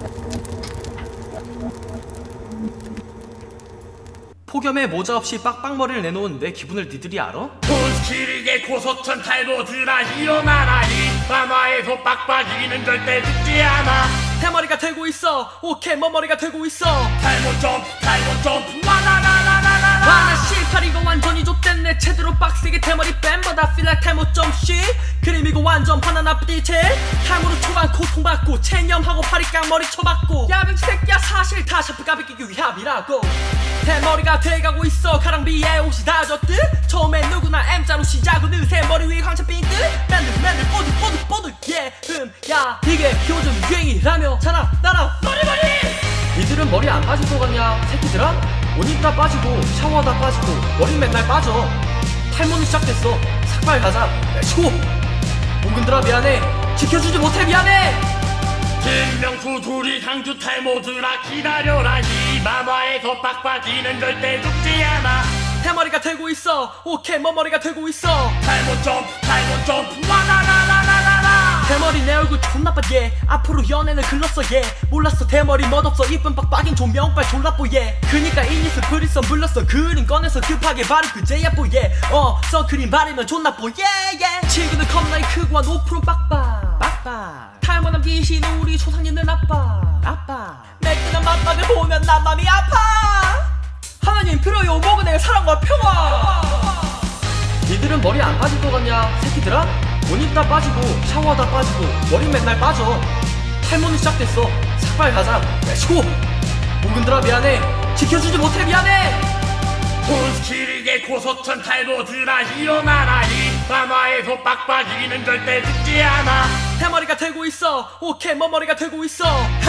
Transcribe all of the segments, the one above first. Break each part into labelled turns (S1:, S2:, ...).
S1: 폭염에 모자 없이 빡빡머리를 내놓은 내 기분을 니들이 알아?
S2: 돈스키르게 고소천 탈모드라 일어나라 이 밤화에서 빡빡이는 절대 죽지 않아.
S1: 대머리가 되고 있어. 오케이 머머리가 되고 있어.
S2: 탈모 점프 와나나나나나나.
S1: 와나 실팔 이거 완전히 좆됐네. 제대로 빡세게 대머리 뺨보다 feel like 탈모 점씨. 그림 이거 완전 바나나 삐체. 탈모로 초반 고통받고 체념하고 파리 깡머리 쳐박고. 야 병신 새끼야 사실 다 샤프 까비끼기 위함이라고. 대머리가 돼가고 있어. 가랑비에 옷이 다 젖듯. 처음엔 누구나 M자로 시작은 느새 머리 위에 광채 핀듯. 맨들 뽀득 야 이게 요즘 유행이라며. 자라 나라 머리 니들은 머리 안 빠질 것 같냐 새끼들아? 옷 입다 빠지고 샤워하다 빠지고 머리 맨날 빠져. 탈모는 시작됐어. 삭발 가자. 렛츠고. 봉근들아 미안해. 지켜주지 못해 미안해.
S2: 김명수 둘이 강주 탈모드라 기다려라 이 밤화에서 빡빡이는 절대 죽지 않아.
S1: 대머리가 되고 있어. 오케이 머머리가 되고 있어.
S2: 탈모 점프 와나나나나나나.
S1: 대머리 내 얼굴 존나 빠 예. 앞으로 연애는 글렀어 예. 몰랐어 대머리 멋없어 이쁜 빡빡인 조명빨 졸라뽀 예. 그니까 이니스 프리썸 불렀어. 그림 꺼내서 급하게 바르 그제야 뽀 예. 선크림 바르면 존나 뽀 예예. 친구는 겁나게 크고 한 5% 빡빡. 탈모남 귀신 우리 초상님은 아빠. 매끈한 맛박을 보면 난 맘이 아파. 하나님 필요요 먹은의 사랑과 평화. 니들은 머리 안 빠질 것 같냐 새끼들아? 옷 입다 빠지고 샤워하다 빠지고 머리 맨날 빠져. 탈모는 시작됐어. 삭발 가자. 렛츠고. 봉근들아 미안해. 지켜주지 못해 미안해.
S2: 돈스키르게 고소천 탈모드라 일어나라 이 밤화에서 빡빡이는 절대 죽지 않아.
S1: 대머리가 되고 있어. 오케이 머머리가 되고 있어.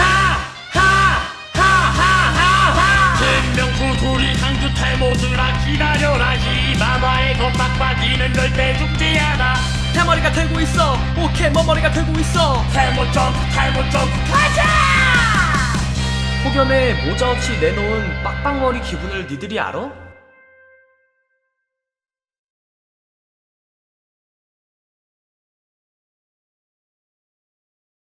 S2: 김명수 둘이 강주 탈모드라 기다려라 이 밤화에서 빡빡이는 절대 죽지 않아.
S1: 대머리가 되고 있어. 오케이 머머리가 되고 있어.
S2: 탈모 점프 가자.
S1: 폭염에 모자 없이 내놓은 빡빡머리 기분을 니들이 알아?